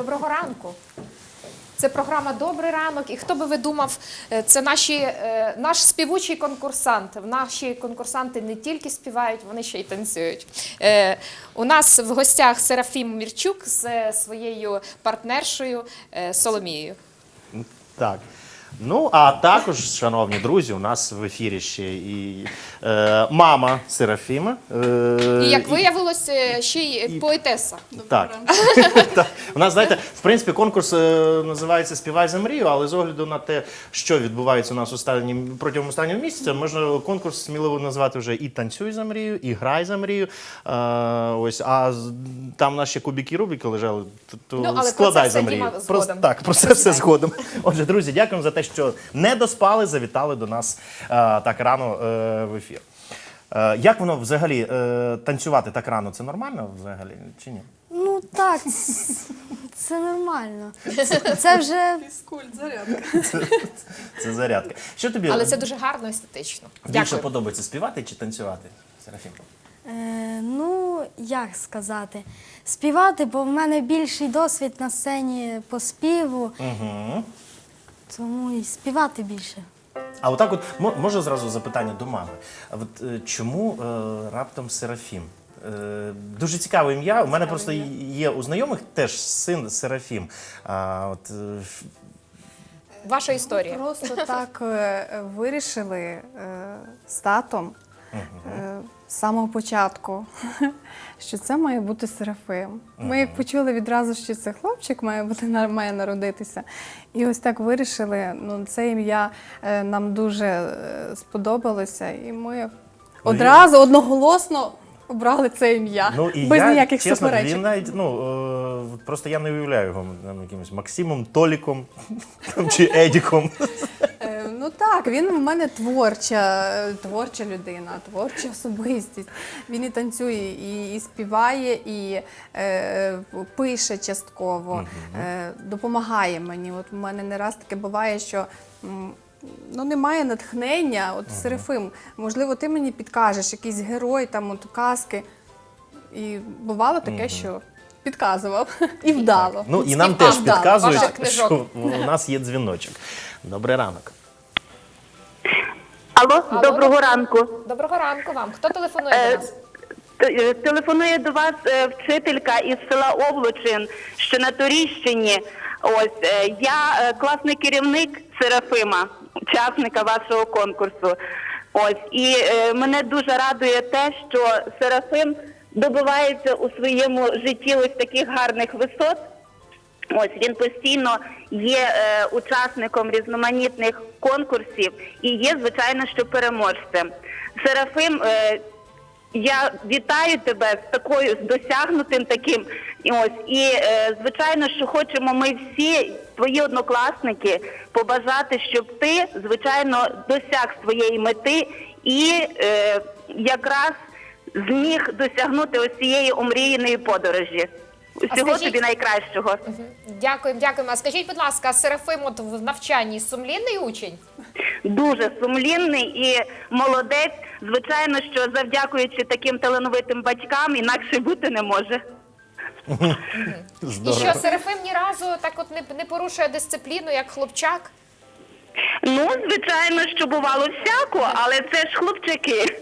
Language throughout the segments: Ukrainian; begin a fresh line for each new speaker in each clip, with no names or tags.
Доброго ранку. Це програма «Добрий ранок». І хто би ви думав, це наш співучий конкурсант. Наші конкурсанти не тільки співають, вони ще й танцюють. У нас в гостях Серафім Мірчук з своєю партнершою Соломією.
Так. Ну, а також, шановні друзі, у нас в ефірі ще і мама Серафіма.
І, як виявилось, ще й поетеса.
Так. У нас, знаєте, в принципі, конкурс називається «Співай за мрію», але з огляду на те, що відбувається у нас протягом останнього місяця, можна конкурс сміливо назвати вже і «Танцюй за мрію», і «Грай за мрію». Ось, а там наші кубики Рубіки лежали, то складай за мрію. Так, про це все згодом. Отже, друзі, дякуємо за те, що не доспали, завітали до нас так рано в ефір. Як воно взагалі, танцювати так рано, це нормально взагалі чи ні?
Ну так, це нормально. Це вже...
Фізкульт, зарядка.
Це зарядка. Що тобі
Але це дуже гарно, естетично.
більше
Дякую.
подобається, співати чи танцювати, Серафімко?
Ну, як сказати, співати, бо в мене більший досвід на сцені по співу, тому і співати більше.
А отак от, може зразу запитання до мами. А от чому раптом Серафім? Дуже цікаве ім'я. У мене просто є у знайомих теж син Серафім.
Ваша історія.
Просто так вирішили з татом з самого початку, що це має бути Серафим. Ми як почули відразу, що це хлопчик має народитися. І ось так вирішили. Ну, це ім'я нам дуже сподобалося, і ми одразу одноголосно обрали це ім'я,
Ну, і
без
я,
ніяких
чесно,
суперечок.
він навіть, просто я не уявляю його якимось Максимом, Толіком чи Едіком.
Ну так, він в мене творча людина, творча особистість. Він і танцює, і співає, і пише частково, допомагає мені. От у мене не раз таке буває, що немає натхнення. От Серафим, можливо, ти мені підкажеш, якийсь герой, там, от, казки. І бувало таке, що підказував. І вдало.
Ну, і нам теж
вдало.
підказують,
Ваших книжок.
що у нас є дзвіночок. Добрий ранок.
Алло, доброго ранку.
Доброго ранку вам. Хто телефонує до нас?
Телефонує до вас вчителька із села Овлучин, що на Торіщині. Ось, я класний керівник Серафима, учасника вашого конкурсу. Ось, і мене дуже радує те, що Серафим добивається у своєму житті ось таких гарних висот. Ось, він постійно є учасником різноманітних конкурсів і є, звичайно, що переможцем. Серафим, я вітаю тебе з досягнутим таким. І звичайно, що хочемо ми всі, твої однокласники, побажати, щоб ти, звичайно, досяг своєї мети і якраз зміг досягнути ось цієї омріяної подорожі. Всього тобі найкращого.
Дякуємо, дякуємо. А скажіть, будь ласка, Серафим от в навчанні сумлінний учень?
Дуже сумлінний і молодець. Звичайно, що завдякуючи таким талановитим батькам, інакше бути не може.
І що, Серафим ні разу так от не порушує дисципліну, як хлопчак?
Ну, звичайно, що бувало всяко, але це ж хлопчики.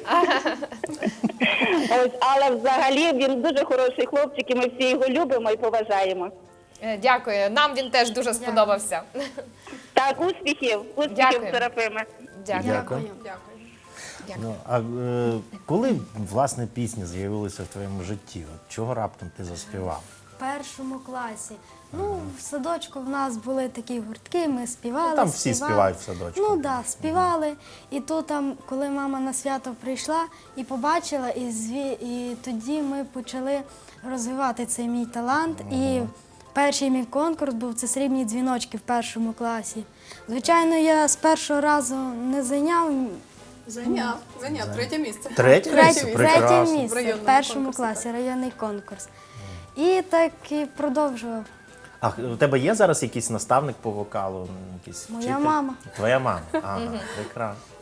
Ось, але взагалі він дуже хороший хлопчик, і ми всі його любимо і поважаємо.
Дякую. Нам він теж дуже сподобався.
Так, успіхів,
Дякую.
Серафиме.
Дякую.
Ну, а коли, власне, пісні з'явилися в твоєму житті? От чого раптом ти заспівав?
В першому класі. Ну, в садочку в нас були такі гуртки, ми співали.
Ну, там всі співають в садочку.
Ну так, співали. І тут, коли мама на свято прийшла і побачила, і тоді ми почали розвивати цей мій талант. І перший мій конкурс був «Це срібні дзвіночки» в першому класі. Звичайно, я з першого разу не зайняв.
Зайняв, третє місце.
Третє місце?
Третє
Прекрасно.
місце в
Районному
першому
конкурсі,
класі, районний конкурс. І так і продовжував.
А у тебе є зараз якийсь наставник по вокалу? Якийсь
Моя
вчитель?
мама.
Твоя мама? Ага, прекрасно.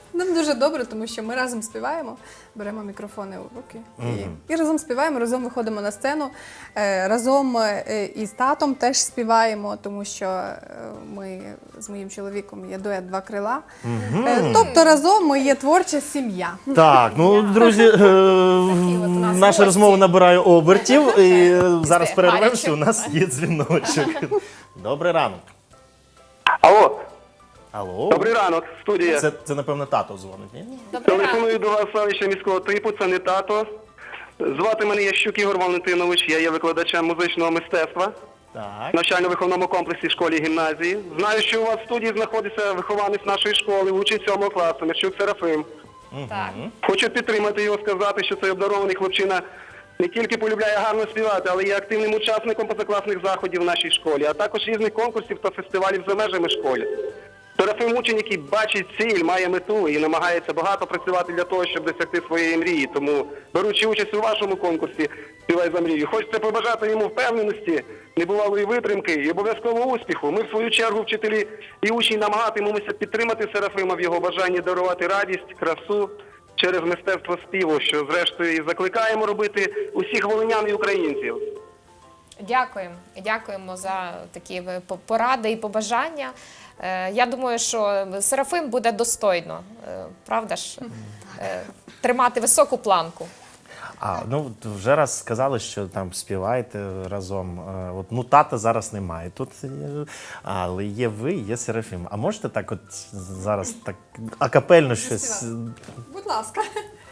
Нам дуже добре, тому що ми разом співаємо, беремо мікрофони у руки і разом співаємо, разом виходимо на сцену, разом із татом теж співаємо, тому що ми з моїм чоловіком є дует «Два крила». Тобто разом ми є творча сім'я.
Так, ну, друзі,
нас
наша
гості.
розмова набирає обертів, і зараз
Після
перервемося,
гарячого.
у нас є дзвіночок. Добрий ранок.
Алло,
Алло.
добрий ранок, студія.
Це, напевно, тато дзвонить, ні?
Добрий ранок.
Телефоную до вас селища міського типу, це не тато. Звати мене Ящук Ігор Валентинович, я є викладачем музичного мистецтва
Так.
в навчально-виховному комплексі школі-гімназії. Знаю, що у вас в студії знаходиться вихованець нашої школи, учень 7 класу, Мерчук Серафим.
Так.
Хочу підтримати його, сказати, що цей обдарований хлопчина не тільки полюбляє гарно співати, але є активним учасником позакласних заходів в нашій школі, а також різних конкурсів та фестивалів за межами школи. Серафим учень, який бачить ціль, має мету і намагається багато працювати для того, щоб досягти своєї мрії. Тому, беручи участь у вашому конкурсі «Співай за мрію», хочеться побажати йому впевненості, небувалої витримки і обов'язково успіху. Ми, в свою чергу, вчителі і учні, намагатимемося підтримати Серафима в його бажанні дарувати радість, красу через мистецтво співу, що, зрештою, і закликаємо робити усіх волинян і українців.
Дякуємо. Дякуємо за такі поради і побажання. Я думаю, що Серафим буде достойно, правда ж, тримати високу планку.
Ну, вже раз сказали, що там співаєте разом. От, ну, тата зараз немає тут, але є ви, є Серафим. А можете так от зараз так акапельно щось?
Будь ласка.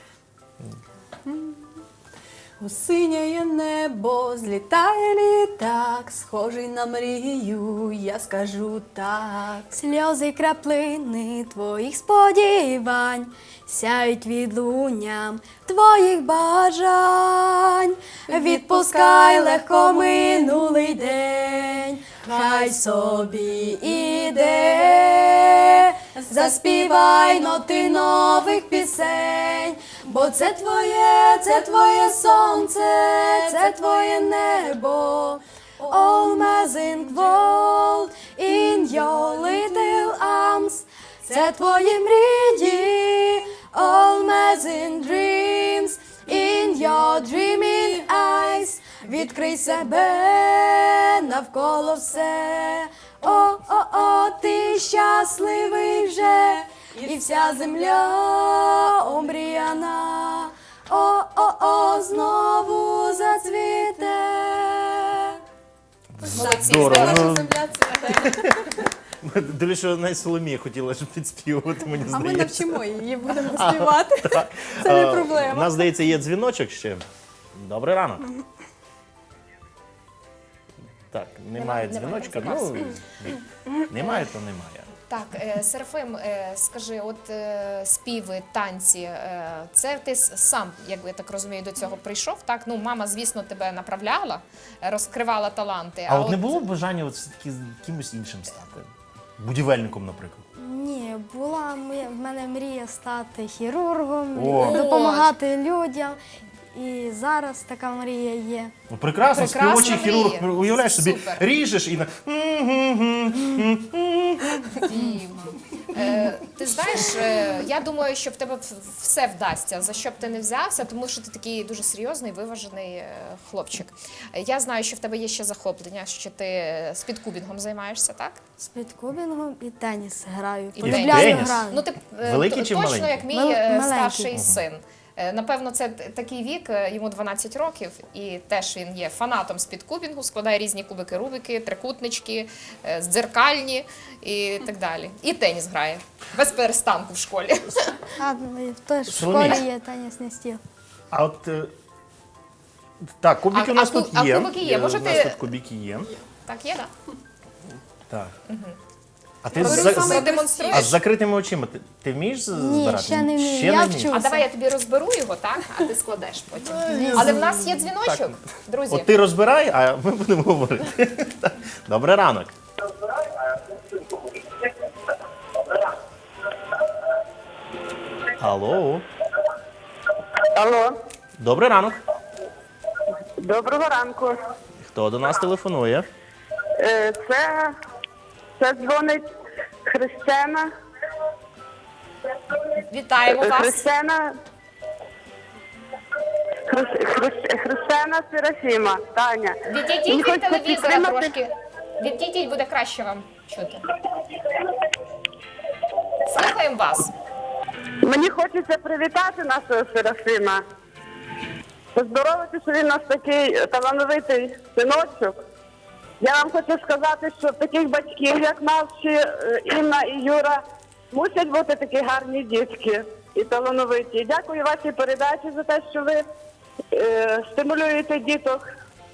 Осиняє небо, злітає літак, схожий на мрію, я скажу так.
Сльози краплини твоїх сподівань сяють відлунням твоїх бажань. Відпускай легко минулий день, хай собі іде. Заспівай ноти нових пісень, бо це твоє сонце, це твоє небо. All-Amazing world in your little arms. Це твої мрії, all-amazing dreams in your dreaming eyes. Відкрий себе, навколо все. О, ти щасливий вже, і вся земля омріяна. О, знову зацвіте.
Молодці.
Здорово. Ну,
Земля цвіте.
дивлюсь, що навіть Соломія хотіла щоб підспівувати, мені
А ми
здається.
навчимо її, будемо співати. Це не
У
проблема.
нас, здається, є дзвіночок ще. Добрий ранок. Так, немає дзвіночка. Ну, немає, то немає.
Так, Серафим, скажи, от співи, танці, це ти сам, як я так розумію, до цього прийшов, так? Ну, мама, звісно, тебе направляла, розкривала таланти.
А от не було бажання от все-таки кимось іншим стати? Будівельником, наприклад.
Ні, була в мене мрія стати хірургом,
О.
допомагати людям. І зараз така мрія є.
Ну, прекрасно,
Прекрасна
співочий хірург,
мрія.
уявляєш собі,
Супер.
ріжеш і на...
Ти знаєш, я думаю, що в тебе все вдасться, за що б ти не взявся, тому що ти такий дуже серйозний, виважений хлопчик. Я знаю, що в тебе є ще захоплення, що ти спідкубінгом займаєшся, так?
З підкубінгом і теніс граю.
І
Полюбляю
теніс?
грати.
Ну, ти
Великий чи
точно
маленький?
як мій
Маленький.
старший син. Напевно, це такий вік, йому 12 років, і теж він є фанатом спідкубінгу, складає різні кубики, рубики, трикутнички, дзеркальні і так далі. І теніс грає, без перестанку в школі.
Теж в
Соломія.
школі є тенісний стіл.
А от... Так, кубики у нас тут
а
є.
кубики є. Може,
У нас
ти-
тут кубики є.
Так, є, так?
Так. А ти
Говорю,
з,
саме демонструєш.
а з закритими очима ти вмієш збирати?
Ні, ще не вмію.
Ще
Я
не
вчусь.
вмієш?
А давай я тобі розберу його, так? А ти складеш потім. Але в нас є дзвіночок, друзі.
От ти розбирай, а ми будемо говорити. Добрий ранок. Алло.
Алло,
Добрий ранок.
доброго ранку.
Хто до нас телефонує?
Це дзвонить Христина.
Вітаємо вас.
Христина Серафіма, Таня.
Відійдіть
Мені
від
хочеться
телевізора
підтримати-
трошки. Відійдіть, буде краще вам чути. Слухаємо вас.
Мені хочеться привітати нашого Серафіма. Поздоровити, що він у нас такий талановитий синочок. Я вам хочу сказати, що таких батьків, як наші Інна і Юра, мусять бути такі гарні дітки і талановиті. Дякую вашій передачі за те, що ви стимулюєте діток.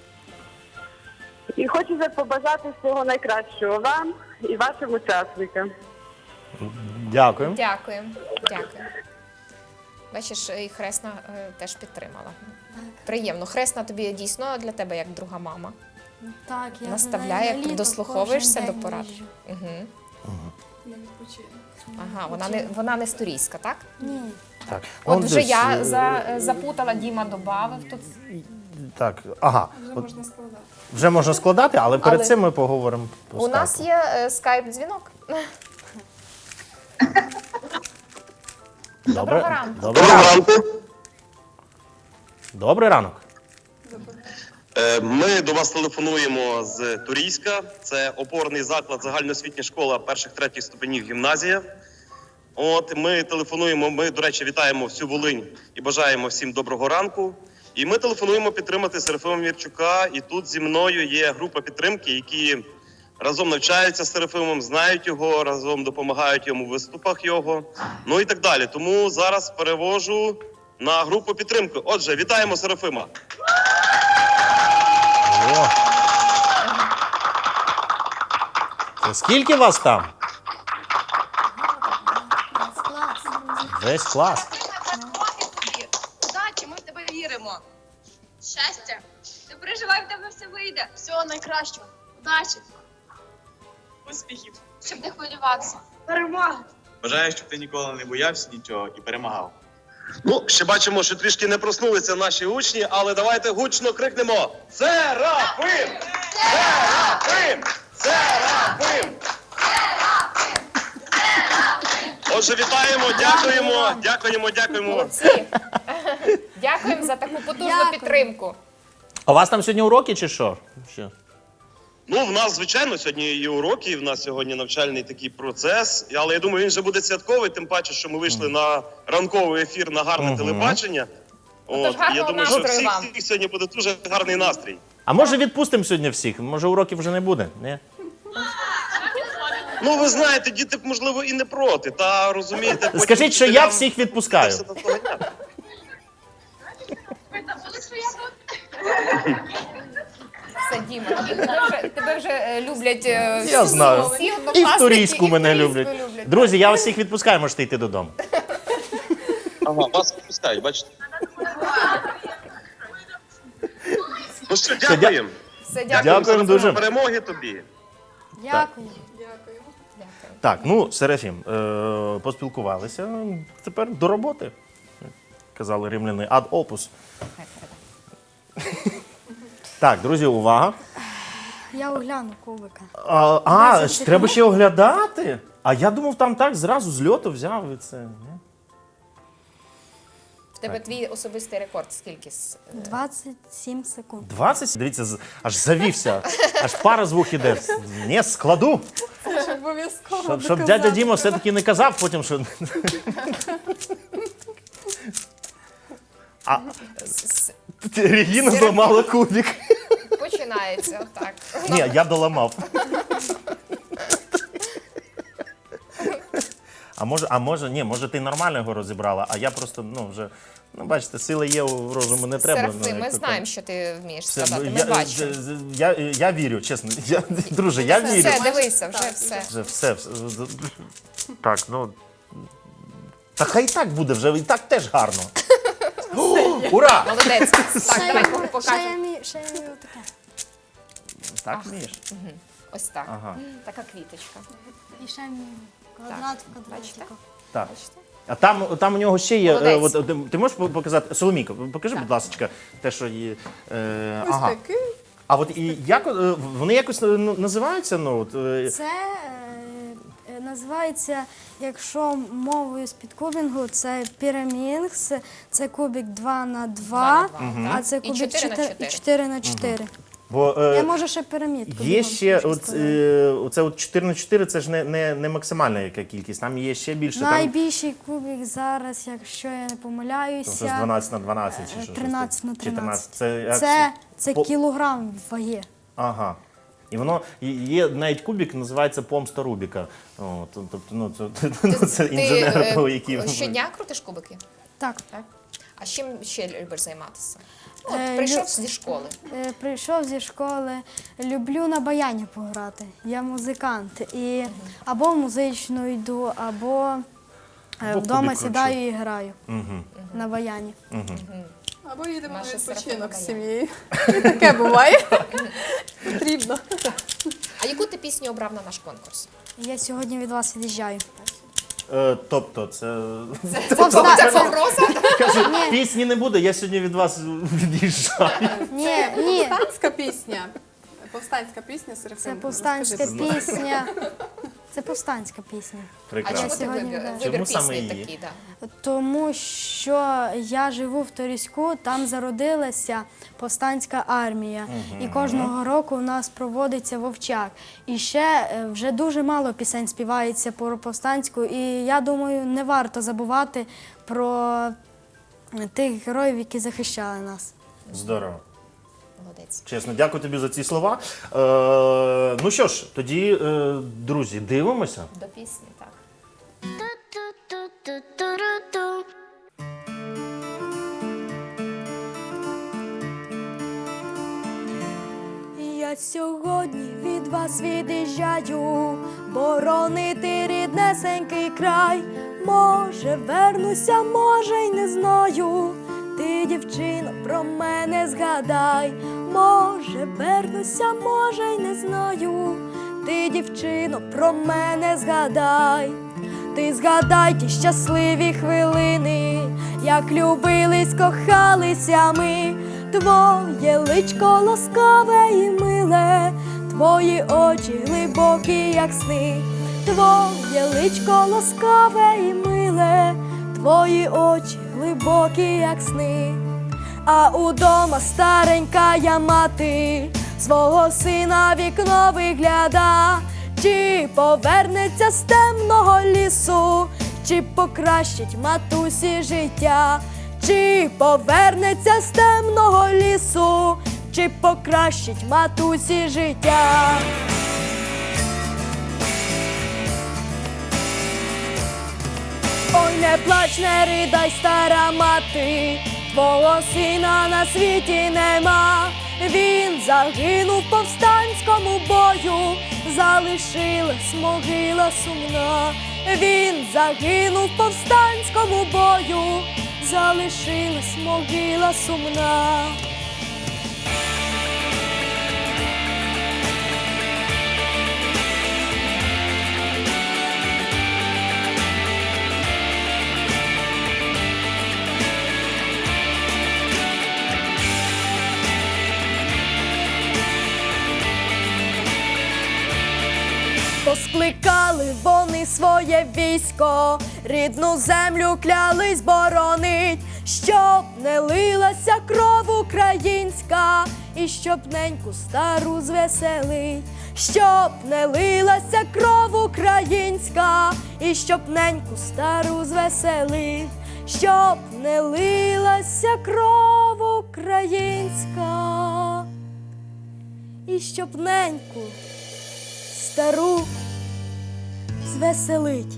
І хочеться побажати всього найкращого вам і вашим учасникам.
Дякуємо.
Дякуємо. Дякую. Бачиш, і Хресна теж підтримала. Приємно. Хресна тобі дійсно для тебе як друга мама.
Так, я
Наставляє,
на літо
дослуховуєшся
кожен
до
день
порад.
їжджу.
Ага, вона не з Турійська, так?
Ні.
Так,
От
ну,
вже
десь,
я запутала, Діма добавив тут.
Так, ага. Вже можна складати, але перед
Але
цим ми поговоримо по
У нас
скайпу.
є скайп-дзвінок. Доброго ранку.
Доброго ранку. Добрий ранок.
Ми до вас телефонуємо з Турійська. Це опорний заклад, загальноосвітня школа перших-третіх ступенів гімназія. От ми телефонуємо. Ми, до речі, вітаємо всю Волинь і бажаємо всім доброго ранку. І ми телефонуємо підтримати Серафима Мірчука. І тут зі мною є група підтримки, які разом навчаються з Серафимом, знають його, разом допомагають йому в виступах його. Ну і так далі. Тому зараз перевожу на групу підтримки. Отже, вітаємо Серафима.
О. Це скільки вас там? Весь клас.
Удачі, ми в тебе віримо. Щастя. Не переживай, в тебе все вийде. Всього найкращого. Удачі. Успіхів. Щоб не хвилюватися. Перемоги.
Бажаю, щоб ти ніколи не боявся нічого і перемагав.
Ну, ще бачимо, що трішки не проснулися наші учні, але давайте гучно крикнемо: Серафим! Серафим! Серафим! Отже, вітаємо, дякуємо.
Молодці. Дякуємо за таку потужну
Дякую.
підтримку.
А у вас там сьогодні уроки чи що? Що?
Ну, в нас, звичайно, сьогодні є уроки, в нас сьогодні навчальний такий процес, але я думаю, він вже буде святковий, тим паче, що ми вийшли на ранковий ефір, на гарне телебачення.
Отож,
І
гарного
я думаю, що
настрою вам.
всіх сьогодні буде дуже гарний настрій.
А може відпустимо сьогодні всіх? Може уроків вже не буде? Ні?
Ну, ви знаєте, діти, можливо, і не проти, та розумієте... потім
Скажіть, що я
вчителям
всіх відпускаю.
все наздоганяти.
Ви забули, що я тут?
Все, Діма, тебе вже люблять
Я знаю.
всі
І
однокласники,
в Турійську
і в
мене
Турійську
люблять. Друзі, я вас всіх відпускаю, можете йти додому.
Ага, вас відпускають, бачите? Ну що, дякуємо.
Все, дякую.
Дякуємо
Серафима,
дуже.
Перемоги тобі.
Дякую.
Так, ну, Серафім, поспілкувалися, тепер до роботи. Казали римляни, ад опус. Так, друзі, увага.
Я огляну кубика.
Треба ще оглядати? А я думав, там так зразу з льоту взяв і це. Ні?
В тебе твій особистий рекорд скільки?
27 секунд.
20? Дивіться, аж завівся, аж пара з вух іде. Не, складу.
Обов'язково.
Щоб дядя Діма все-таки не казав потім, що... Регіна зламала кубик.
Починається, так.
Ні, я доламав. Може ти нормально його розібрала, а я просто, вже, бачите, сили є, розуму не треба.
Серафим, ми
як то
знаємо, що ти вмієш
Все,
складати, ми бачимо.
я вірю, чесно. Друже, я вірю.
Все, дивися, вже все.
Вже все. Так, Та хай і так буде, вже і так теж гарно. Ура!
Молодець. Так, давай
Ще
покажемо.
я вмію отаке.
Так вмієш?
Ось так.
Ага.
Така квіточка.
І ще вмію квадрат в квадратику.
Так. А там у нього ще є.
Молодець.
Ти можеш показати? Соломійко, покажи, будь ласка, те, що є.
Ось такий.
А от і як вони якось називаються?
Це Називається, якщо мовою спідкубінгу, це пірамінгс, це кубик 2х2, а це
І
кубик
4х4.
4х4.
Бо
Я можу ще пірамідку.
є
бігом
ще
хочу сказати.
оце от 4 на 4, це ж не максимальна яка кількість, там є ще більше. Там
Найбільший кубик зараз, якщо я не
щось
помиляюся,
12 на 12 чи що?
13 на
13.
13.
Це,
Це
по-
кілограм ваги.
Ага. І воно є навіть кубик, називається помста Рубіка. О, тобто, ну, це інженер, який
щодня крутиш кубики?
Так.
Так? А чим ще любиш займатися?
Е,
Прийшов зі школи.
Прийшов зі школи, люблю на баяні пограти. Я музикант. І або в музичну йду, або
Або
вдома
кубик
сідаю і граю на баяні.
Або їдемо на
Наша
відпочинок з
Серафима
сім'єю. І таке буває. Потрібно.
А яку ти пісню обрав на наш конкурс?
Я сьогодні від вас від'їжджаю.
Тобто, це
Це погроза?
каже, пісні не буде, я сьогодні від вас від'їжджаю.
Ні,
Повстанська пісня. Повстанська пісня Серафим.
це повстанська
Розкажи, будь ласка.
пісня. Це повстанська пісня.
А
Прекрасно.
чому ти
сьогодні,
вибір
да.
Чому саме
пісні
її?
такий? Да?
Тому що я живу в Торіську, там зародилася повстанська армія. І кожного року у нас проводиться вовчак. І ще вже дуже мало пісень співається про повстанську. І я думаю, не варто забувати про тих героїв, які захищали нас.
Здорово.
Молодець.
Чесно, дякую тобі за ці слова. Ну що ж, тоді, друзі, дивимося.
До пісні, так.
Я сьогодні від вас від'їжджаю, боронити ріднесенький край. Може, вернуся, може, й не знаю. Ти, дівчино, про мене згадай. Може, вернуся, може, й не знаю. Ти, дівчино, про мене згадай. Ти згадай ті щасливі хвилини, як любились, кохалися ми. Твоє личко ласкаве і миле, твої очі глибокі, як сни. Твоє личко ласкаве і миле, твої очі глибокі, як сни. А удома старенька я мати, свого сина вікно вигляда. Чи повернеться з темного лісу, чи покращить матусі життя? Чи повернеться з темного лісу, чи покращить матусі життя? Ой, не плач, не ридай, стара мати, твого сина на світі нема. Він загинув в повстанському бою, залишилась могила сумна. Він загинув в повстанському бою, залишилась могила сумна. Поскликали вони своє військо, рідну землю клялись боронить, щоб не лилася кров українська, і щоб неньку стару звеселить, щоб не лилася кров українська, і щоб неньку стару звеселить, щоб не лилася кров українська, і щоб неньку стару звеселить.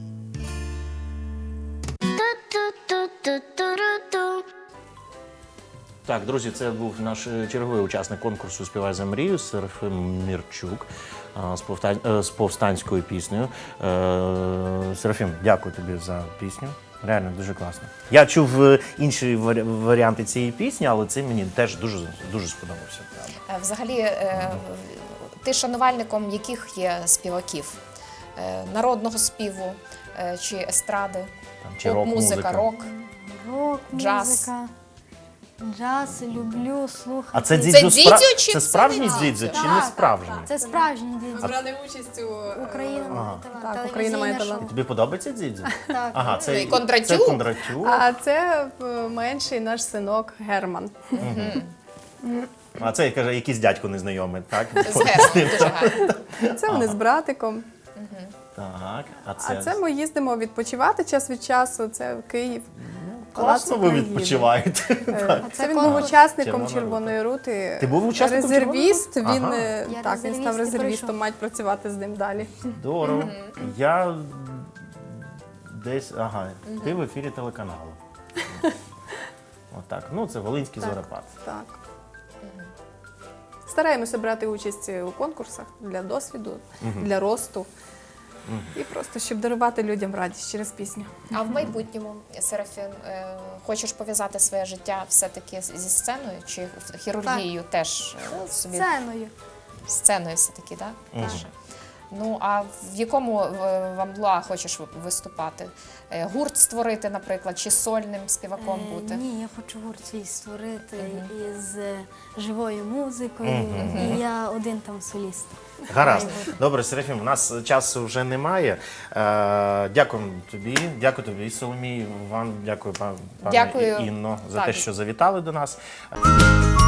Так, друзі, це був наш черговий учасник конкурсу «Співай за мрію» Серафим Мірчук з повстанською піснею. Серафим, дякую тобі за пісню. Реально дуже класно. Я чув інші варіанти цієї пісні, але це мені теж дуже сподобався.
Взагалі, ти шанувальником яких є співаків? Народного співу чи естради?
Чи рок-музика.
Рок.
Рок,
Джаз.
музика. Джаз люблю слухати.
А це
Це
дзідзю
дзідзю чи
це
це
справжній
не
дзідзю
дзідзю?
чи не справжній?
Це справжній дідзю.
Брали участь у
Україна має талант.
Так, «Україна має
телевізійне
талант».
Тобі подобається дзідзю?
шоу. Так.
Ага, це
І Кондратюк?
Це Кондратюк.
А це менший наш синок Герман.
А це, каже, якийсь дядько незнайомий, так?
З Германом дуже гарно.
Це вони з братиком.
Так,
А це ми їздимо відпочивати час від часу. Це в Київ.
класно ви
приїде.
відпочиваєте.
Це він був учасником
Червона
Червоної рути.
Ти був учасником
резервіст.
Червоної
Він
рути?
Я
так, він став
резервіст і
резервістом,
пройшов.
мають працювати з ним далі.
Здорово. Я десь, ти в ефірі телеканалу. Отак. Ну, це Волинський зорепад.
Так. Стараємося брати участь у конкурсах для досвіду, для росту. І просто, щоб дарувати людям радість через пісню.
А в майбутньому, Серафім, хочеш пов'язати своє життя все-таки зі сценою чи хірургією теж собі?
Сценою.
Сценою все-таки, так? Більше? Ну, а в якому в амплуа хочеш виступати? Гурт створити, наприклад, чи сольним співаком бути?
Ні, я хочу гурт свій створити із живою музикою. І я один там соліст.
Гаразд. Добре, Серафім, у нас часу вже немає. Дякую тобі, Соломій, вам дякую, пане
Дякую.
Інно, за
Так.
те, що завітали до нас.